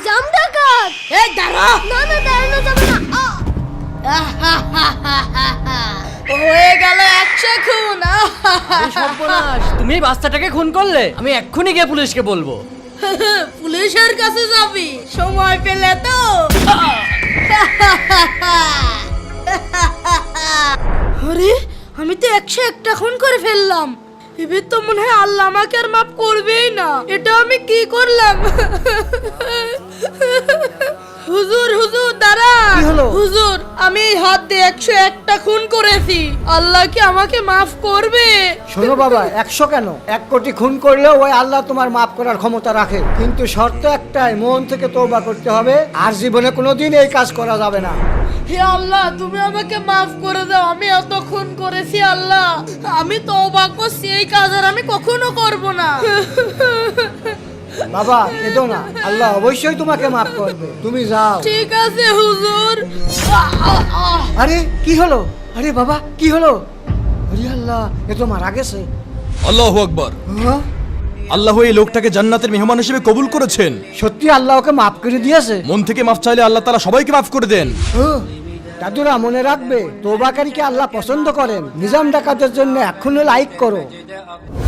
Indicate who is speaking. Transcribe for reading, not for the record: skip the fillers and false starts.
Speaker 1: জাম ডাকাত।
Speaker 2: এই দাঁড়া।
Speaker 1: না না, দাঁড়ানো যাবে না।
Speaker 2: হয়ে গেল 100 খুন।
Speaker 3: সর্বনাশ, তুমি এই বাচ্চাটাকে খুন করলে? আমি এক্ষুনি গিয়ে পুলিশকে বলবো।
Speaker 2: পুলিশের কাছে যাবি সময় পেলে তো? আরে আমি তো 101টা খুন করে ফেললাম। এবার তো মনে হয় আল্লাহ আমাকে আর মাফ করবেই না। এটা আমি কি করলাম? হুজুর হুজুর দাঁড়ান।
Speaker 4: কি হলো?
Speaker 2: হুজুর আমি এই হাত দিয়ে 101টা খুন করেছি। আল্লাহ কি আমাকে মাফ করবে?
Speaker 4: শোনো বাবা, 100 কেন, 1 কোটি খুন করলেও ওই আল্লাহ তোমার মাফ করার ক্ষমতা রাখে, কিন্তু শর্ত একটাই, মন থেকে তওবা করতে হবে, আর জীবনে কোনোদিন এই কাজ করা যাবে না।
Speaker 2: হে আল্লাহ, তুমি আমাকে মাফ করে দাও। আমি এত খুন করেছি আল্লাহ, আমি তওবা করছি, এই কাজ আর আমি কখনো করব না।
Speaker 4: বাবা কেঁদো না, আল্লাহ অবশ্যই তোমাকে মাফ করবে, তুমি যাও।
Speaker 2: ঠিক আছে হুজুর।
Speaker 4: আরে কি হলো? আরে বাবা কি হলো? আরে আল্লাহ, এ তো মারা গেছে।
Speaker 5: আল্লাহু আকবার।
Speaker 4: হ্যাঁ?
Speaker 5: আল্লাহ এই লোকটাকে জান্নাতের মেহমান হিসেবে কবুল করেছেন।
Speaker 4: সত্যি আল্লাহ ওকে মাফ করে দিয়েছে?
Speaker 5: মন থেকে মাফ চাইলে আল্লাহ তাআলা সবাইকে মাফ করে দেন।
Speaker 4: ও, দাদুরা মনে রাখবে, তওবাকারীকে আল্লাহ পছন্দ করেন। নিজাম ডাকাতের জন্য এখনো লাইক করো।